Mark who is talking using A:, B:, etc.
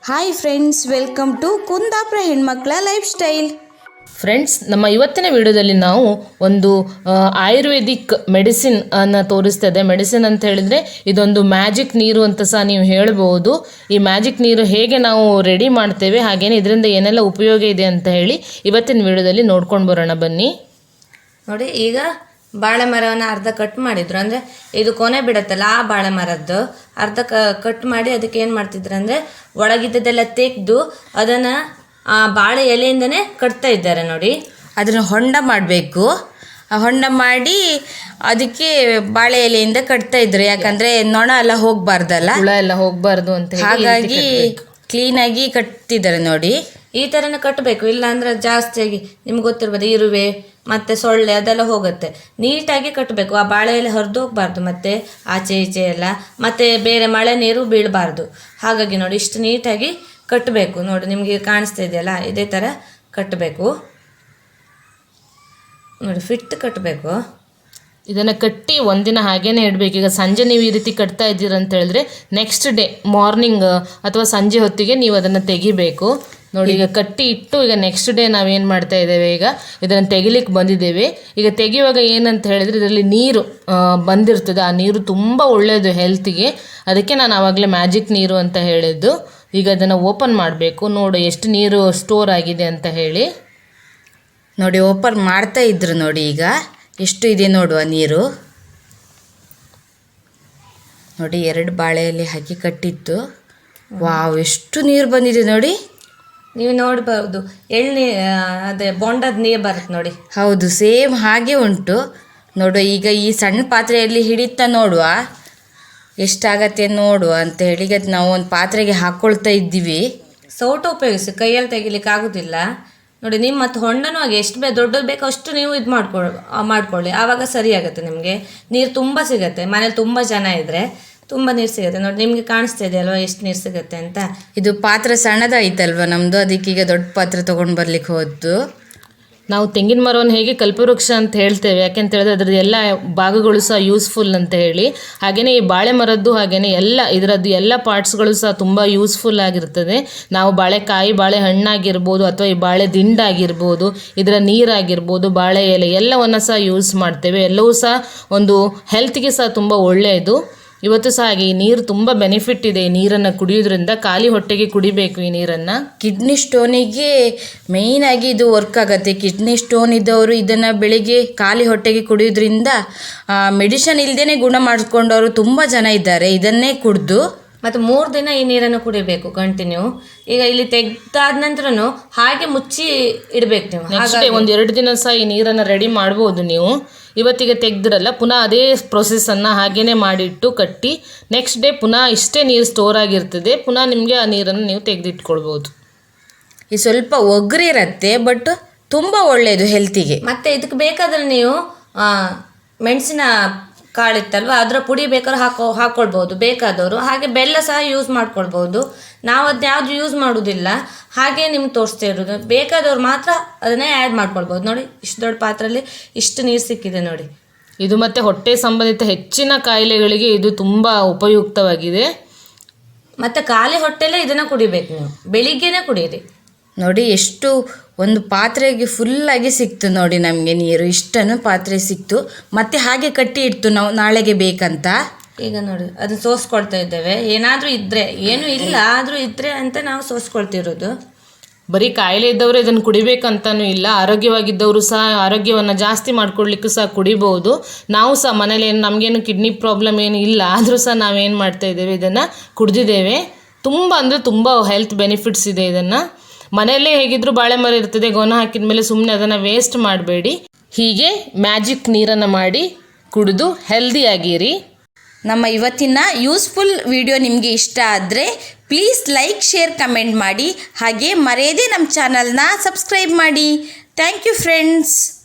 A: Hi friends, welcome to Kundapura ಹೆಣ್ಮಕ್ಳ life style.
B: Friends, ನಮ್ಮ ಇವತ್ತಿನ ವಿಡಿಯೋದಲ್ಲಿ ನಾವು ಒಂದು ಆಯುರ್ವೇದಿಕ್ ಮೆಡಿಸಿನ್ ಅನ್ನು ತೋರಿಸ್ತಾ ಇದೆ. ಮೆಡಿಸಿನ್ ಅಂತ ಹೇಳಿದರೆ ಇದೊಂದು ಮ್ಯಾಜಿಕ್ ನೀರು ಅಂತ ಸಹ ನೀವು ಹೇಳ್ಬೋದು. ಈ ಮ್ಯಾಜಿಕ್ ನೀರು ಹೇಗೆ ನಾವು ರೆಡಿ ಮಾಡ್ತೇವೆ, ಹಾಗೇನೆ ಇದರಿಂದ ಏನೆಲ್ಲ ಉಪಯೋಗ ಇದೆ ಅಂತ ಹೇಳಿ ಇವತ್ತಿನ ವಿಡಿಯೋದಲ್ಲಿ ನೋಡ್ಕೊಂಡು ಬರೋಣ ಬನ್ನಿ.
C: ನೋಡಿ, ಈಗ ಬಾಳೆ ಮರವನ್ನು ಅರ್ಧ ಕಟ್ ಮಾಡಿದ್ರು, ಅಂದರೆ ಇದು ಕೊನೆ ಬಿಡತ್ತಲ್ಲ ಆ ಬಾಳೆ ಮರದ್ದು ಅರ್ಧ ಕಟ್ ಮಾಡಿ ಅದಕ್ಕೆ ಏನು ಮಾಡ್ತಿದ್ರು ಅಂದರೆ ಒಳಗಿದ್ದದೆಲ್ಲ ತೆಗೆದು ಅದನ್ನು ಬಾಳೆ ಎಲೆಯಿಂದನೇ ಕಟ್ತಾ ಇದ್ದಾರೆ. ನೋಡಿ,
A: ಅದನ್ನು ಹೊಂಡ ಮಾಡಬೇಕು. ಹೊಂಡ ಮಾಡಿ ಅದಕ್ಕೆ ಬಾಳೆ ಎಲೆಯಿಂದ ಕಟ್ತಾ ಇದ್ರು, ಯಾಕಂದರೆ ನೊಣ ಎಲ್ಲ ಹೋಗಬಾರ್ದಲ್ಲ,
B: ಹುಳ ಎಲ್ಲ ಹೋಗಬಾರ್ದು ಅಂತ
A: ಹಾಗಾಗಿ ಕ್ಲೀನಾಗಿ ಕಟ್ತಿದ್ದಾರೆ. ನೋಡಿ,
C: ಈ ಥರನೇ ಕಟ್ಟಬೇಕು, ಇಲ್ಲಾಂದ್ರೆ ಜಾಸ್ತಿಯಾಗಿ ನಿಮ್ಗೆ ಗೊತ್ತಿರ್ಬೋದು ಇರುವೆ ಮತ್ತು ಸೊಳ್ಳೆ ಅದೆಲ್ಲ ಹೋಗುತ್ತೆ. ನೀಟಾಗಿ ಕಟ್ಟಬೇಕು, ಆ ಬಾಳೆ ಎಲೆ ಹರಿದು ಹೋಗಬಾರ್ದು, ಮತ್ತು ಆಚೆ ಈಚೆ ಎಲ್ಲ, ಮತ್ತು ಬೇರೆ ಮಳೆ ನೀರು ಬೀಳಬಾರ್ದು. ಹಾಗಾಗಿ ನೋಡಿ, ಇಷ್ಟು ನೀಟಾಗಿ ಕಟ್ಟಬೇಕು. ನೋಡಿ, ನಿಮಗೆ ಕಾಣಿಸ್ತಾ ಇದೆಯಲ್ಲ, ಇದೇ ಥರ ಕಟ್ಟಬೇಕು. ನೋಡಿ, ಫಿಟ್ ಕಟ್ಟಬೇಕು.
B: ಇದನ್ನು ಕಟ್ಟಿ ಒಂದಿನ ಹಾಗೇನೆ ಇಡಬೇಕು. ಈಗ ಸಂಜೆ ನೀವು ಈ ರೀತಿ ಕಟ್ತಾ ಇದ್ದೀರ ಅಂತ ಹೇಳಿದ್ರೆ ನೆಕ್ಸ್ಟ್ ಡೇ ಮಾರ್ನಿಂಗ್ ಅಥವಾ ಸಂಜೆ ಹೊತ್ತಿಗೆ ನೀವು ಅದನ್ನು ತೆಗಿಬೇಕು. ನೋಡಿ, ಈಗ ಕಟ್ಟಿ ಇಟ್ಟು ಈಗ ನೆಕ್ಸ್ಟ್ ಡೇ ನಾವೇನು ಮಾಡ್ತಾ ಇದ್ದೇವೆ, ಈಗ ಇದನ್ನು ತೆಗಿಲಿಕ್ಕೆ ಬಂದಿದ್ದೇವೆ. ಈಗ ತೆಗೆಯುವಾಗ ಏನಂತ ಹೇಳಿದರೆ ಇದರಲ್ಲಿ ನೀರು ಬಂದಿರ್ತದೆ. ಆ ನೀರು ತುಂಬ ಒಳ್ಳೆಯದು ಹೆಲ್ತಿಗೆ, ಅದಕ್ಕೆ ನಾನು ಆವಾಗಲೇ ಮ್ಯಾಜಿಕ್ ನೀರು ಅಂತ ಹೇಳಿದ್ದು. ಈಗ ಅದನ್ನು ಓಪನ್ ಮಾಡಬೇಕು. ನೋಡಿ ಎಷ್ಟು ನೀರು ಸ್ಟೋರ್ ಆಗಿದೆ ಅಂತ ಹೇಳಿ.
A: ನೋಡಿ, ಓಪನ್ ಮಾಡ್ತಾ ಇದ್ರು. ನೋಡಿ, ಈಗ ಎಷ್ಟು ಇದೆ ನೋಡುವ ನೀರು. ನೋಡಿ, 2 ಬಾಳೆಯಲ್ಲಿ ಹಾಕಿ ಕಟ್ಟಿತ್ತು. ವಾವ್, ಎಷ್ಟು ನೀರು ಬಂದಿದೆ ನೋಡಿ.
C: ನೀವು ನೋಡ್ಬೋದು, ಅದೇ ಬೊಂಡದ ನೀರು ಬರುತ್ತೆ ನೋಡಿ.
A: ಹೌದು, ಸೇಮ್ ಹಾಗೆ ಉಂಟು. ನೋಡುವ, ಈಗ ಈ ಸಣ್ಣ ಪಾತ್ರೆಯಲ್ಲಿ ಹಿಡಿತಾ ನೋಡುವ ಎಷ್ಟಾಗತ್ತೆ ನೋಡುವ ಅಂತ ಹೇಳಿ. ಈಗ ನಾವು ಒಂದು ಪಾತ್ರೆಗೆ ಹಾಕ್ಕೊಳ್ತಾ ಇದ್ದೀವಿ.
C: ಸೌಟು ಉಪಯೋಗಿಸಿ ಕೈಯಲ್ಲಿ ತೆಗಿಲಿಕ್ಕೆ ಆಗೋದಿಲ್ಲ. ನೋಡಿ, ನಿಮ್ಮ ಮತ್ತು ಹೊಂಡನೂ ಹಾಗೆ ಎಷ್ಟು ದೊಡ್ಡದು ಬೇಕೋ ಅಷ್ಟು ನೀವು ಇದು ಮಾಡ್ಕೊಳ್ಳಿ, ಆವಾಗ ಸರಿ ಆಗುತ್ತೆ. ನಿಮಗೆ ನೀರು ತುಂಬ ಸಿಗುತ್ತೆ. ಮನೇಲಿ ತುಂಬ ಜನ ಇದ್ದರೆ ತುಂಬ ನೀರು ಸಿಗುತ್ತೆ. ನೋಡಿ, ನಿಮಗೆ ಕಾಣಿಸ್ತಾ ಇದೆ ಅಲ್ವಾ ಎಷ್ಟು ನೀರು ಸಿಗುತ್ತೆ ಅಂತ.
A: ಇದು ಪಾತ್ರೆ ಸಣ್ಣದಾಯ್ತಲ್ವ ನಮ್ಮದು, ಅದಕ್ಕೆ ಈಗ ದೊಡ್ಡ ಪಾತ್ರೆ ತೊಗೊಂಡು ಬರ್ಲಿಕ್ಕೆ ಹೋದ್ದು.
B: ನಾವು ತೆಂಗಿನ ಮರವನ್ನು ಹೇಗೆ ಕಲ್ಪವೃಕ್ಷ ಅಂತ ಹೇಳ್ತೇವೆ, ಯಾಕೆಂತ ಹೇಳಿದ್ರೆ ಅದರದ್ದು ಎಲ್ಲ ಭಾಗಗಳು ಸಹ ಯೂಸ್ಫುಲ್ ಅಂತ ಹೇಳಿ, ಹಾಗೆಯೇ ಈ ಬಾಳೆ ಮರದ್ದು ಹಾಗೆಯೇ ಇದರದ್ದು ಎಲ್ಲ ಪಾರ್ಟ್ಸ್ಗಳು ಸಹ ತುಂಬ ಯೂಸ್ಫುಲ್ ಆಗಿರ್ತದೆ. ನಾವು ಬಾಳೆಕಾಯಿ, ಬಾಳೆ ಹಣ್ಣಾಗಿರ್ಬೋದು ಅಥವಾ ಈ ಬಾಳೆ ದಿಂಡಾಗಿರ್ಬೋದು, ಇದರ ನೀರಾಗಿರ್ಬೋದು, ಬಾಳೆ ಎಲೆ ಎಲ್ಲವನ್ನು ಸಹ ಯೂಸ್ ಮಾಡ್ತೇವೆ. ಎಲ್ಲವೂ ಸಹ ಒಂದು ಹೆಲ್ತ್ಗೆ ಸಹ ತುಂಬ ಒಳ್ಳೆಯದು. ಇವತ್ತು ಸಹ ಹಾಗೆ ಈ ನೀರು ತುಂಬ ಬೆನಿಫಿಟ್ ಇದೆ. ಈ ನೀರನ್ನು ಕುಡಿಯೋದ್ರಿಂದ ಖಾಲಿ ಹೊಟ್ಟೆಗೆ ಕುಡಿಬೇಕು ಈ ನೀರನ್ನು.
A: ಕಿಡ್ನಿ ಸ್ಟೋನಿಗೆ ಮೇಯ್ನಾಗಿ ಇದು ವರ್ಕ್ ಆಗುತ್ತೆ. ಕಿಡ್ನಿ ಸ್ಟೋನ್ ಇದ್ದವರು ಇದನ್ನು ಬೆಳಿಗ್ಗೆ ಖಾಲಿ ಹೊಟ್ಟೆಗೆ ಕುಡಿಯೋದ್ರಿಂದ ಮೆಡಿಷನ್ ಇಲ್ಲದೇ ಗುಣ ಮಾಡಿಕೊಂಡವರು ತುಂಬ ಜನ ಇದ್ದಾರೆ. ಇದನ್ನೇ ಕುಡಿದು
C: ಮತ್ತು 3 ದಿನ ಈ ನೀರನ್ನು ಕುಡಿಬೇಕು ಕಂಟಿನ್ಯೂ. ಈಗ ಇಲ್ಲಿ ತೆಗ್ದಾದ ನಂತರನು ಹಾಗೆ ಮುಚ್ಚಿ ಇಡಬೇಕು ನೀವು.
B: ನೆಕ್ಸ್ಟ್ ಡೇ 1-2 ದಿನ ಸಹ ಈ ನೀರನ್ನು ರೆಡಿ ಮಾಡ್ಬೋದು ನೀವು. ಇವತ್ತಿಗೆ ತೆಗೆದಿರಲ್ಲ, ಪುನಃ ಅದೇ ಪ್ರೊಸೆಸನ್ನು ಹಾಗೇ ಮಾಡಿಟ್ಟು ಕಟ್ಟಿ ನೆಕ್ಸ್ಟ್ ಡೇ ಪುನಃ ಇಷ್ಟೇ ನೀರು ಸ್ಟೋರ್ ಆಗಿರ್ತದೆ. ಪುನಃ ನಿಮಗೆ ಆ ನೀರನ್ನು ನೀವು ತೆಗೆದಿಟ್ಕೊಳ್ಬೋದು.
A: ಈ ಸ್ವಲ್ಪ ಒಗ್ರಿರುತ್ತೆ, ಬಟ್ ತುಂಬ ಒಳ್ಳೆಯದು ಹೆಲ್ತಿಗೆ.
C: ಮತ್ತು ಇದಕ್ಕೆ ಬೇಕಾದರೆ ನೀವು ಮೆಣಸಿನ ಕಾಳಿತ್ತಲ್ವ, ಅದರ ಪುಡಿ ಬೇಕಾದ್ರೆ ಹಾಕ್ಕೊಳ್ಬೋದು ಬೇಕಾದವರು. ಹಾಗೆ ಬೆಲ್ಲ ಸಹ ಯೂಸ್ ಮಾಡ್ಕೊಳ್ಬೋದು. ನಾವು ಅದು ಯಾವುದು ಯೂಸ್ ಮಾಡೋದಿಲ್ಲ, ಹಾಗೆ ನಿಮ್ಗೆ ತೋರಿಸ್ತಾ ಇರೋದು. ಬೇಕಾದವ್ರು ಮಾತ್ರ ಅದನ್ನೇ ಆ್ಯಡ್ ಮಾಡ್ಕೊಳ್ಬೋದು. ನೋಡಿ, ಇಷ್ಟು ದೊಡ್ಡ ಪಾತ್ರೆಯಲ್ಲಿ ಇಷ್ಟು ನೀರು ಸಿಕ್ಕಿದೆ ನೋಡಿ.
B: ಇದು ಮತ್ತು ಹೊಟ್ಟೆ ಸಂಬಂಧಿತ ಹೆಚ್ಚಿನ ಕಾಯಿಲೆಗಳಿಗೆ ಇದು ತುಂಬ ಉಪಯುಕ್ತವಾಗಿದೆ.
C: ಮತ್ತು ಖಾಲಿ ಹೊಟ್ಟೆಲ್ಲೇ ಇದನ್ನು ಕುಡಿಬೇಕು ನೀವು, ಬೆಳಿಗ್ಗೆನೇ ಕುಡಿಯಿರಿ.
A: ನೋಡಿ, ಎಷ್ಟು ಒಂದು ಪಾತ್ರೆಗೆ ಫುಲ್ಲಾಗಿ ಸಿಕ್ತು ನೋಡಿ ನಮಗೆ ನೀರು. ಇಷ್ಟನ್ನು ಪಾತ್ರೆ ಸಿಕ್ತು, ಮತ್ತೆ ಹಾಗೆ ಕಟ್ಟಿ ಇಡ್ತು ನಾವು ನಾಳೆಗೆ ಬೇಕಂತ.
C: ಈಗ ನೋಡಿ, ಅದನ್ನು ಸೋಸ್ಕೊಳ್ತಾ ಇದ್ದೇವೆ. ಏನಾದರೂ ಇದ್ದರೆ, ಏನೂ ಇಲ್ಲ ಆದರೂ ಇದ್ದರೆ ಅಂತ ನಾವು ಸೋಸ್ಕೊಳ್ತಿರೋದು.
B: ಬರೀ ಕಾಯಿಲೆ ಇದ್ದವರು ಇದನ್ನು ಕುಡಿಬೇಕಂತನೂ ಇಲ್ಲ, ಆರೋಗ್ಯವಾಗಿದ್ದವರು ಸಹ ಆರೋಗ್ಯವನ್ನು ಜಾಸ್ತಿ ಮಾಡ್ಕೊಳ್ಲಿಕ್ಕೂ ಸಹ ಕುಡಿಬೋದು. ನಾವು ಸಹ ಮನೇಲಿ ನಮಗೇನು ಕಿಡ್ನಿ ಪ್ರಾಬ್ಲಮ್ ಏನು ಇಲ್ಲ, ಆದರೂ ಸಹ ನಾವೇನು ಮಾಡ್ತಾ ಇದ್ದೇವೆ, ಇದನ್ನು ಕುಡಿದಿದ್ದೇವೆ. ತುಂಬ ಅಂದರೆ ತುಂಬ ಹೆಲ್ತ್ ಬೆನಿಫಿಟ್ಸ್ ಇದೆ. ಇದನ್ನು ಮನೆಯಲ್ಲೇ ಹೇಗಿದ್ದರೂ ಬಾಳೆ ಮರ ಇರ್ತದೆ, ಗೊನ ಹಾಕಿದ ಮೇಲೆ ಸುಮ್ಮನೆ ಅದನ್ನು ವೇಸ್ಟ್ ಮಾಡಬೇಡಿ. ಹೀಗೆ ಮ್ಯಾಜಿಕ್ ನೀರನ್ನು ಮಾಡಿ ಕುಡಿದು ಹೆಲ್ದಿಯಾಗಿರಿ.
A: ನಮ್ಮ ಇವತ್ತಿನ ಯೂಸ್ಫುಲ್ ವಿಡಿಯೋ ನಿಮಗೆ ಇಷ್ಟ ಆದರೆ ಪ್ಲೀಸ್ ಲೈಕ್, ಶೇರ್, ಕಮೆಂಟ್ ಮಾಡಿ. ಹಾಗೆ ಮರೆಯದೇ ನಮ್ಮ ಚಾನಲ್ನ ಸಬ್ಸ್ಕ್ರೈಬ್ ಮಾಡಿ. Thank you friends.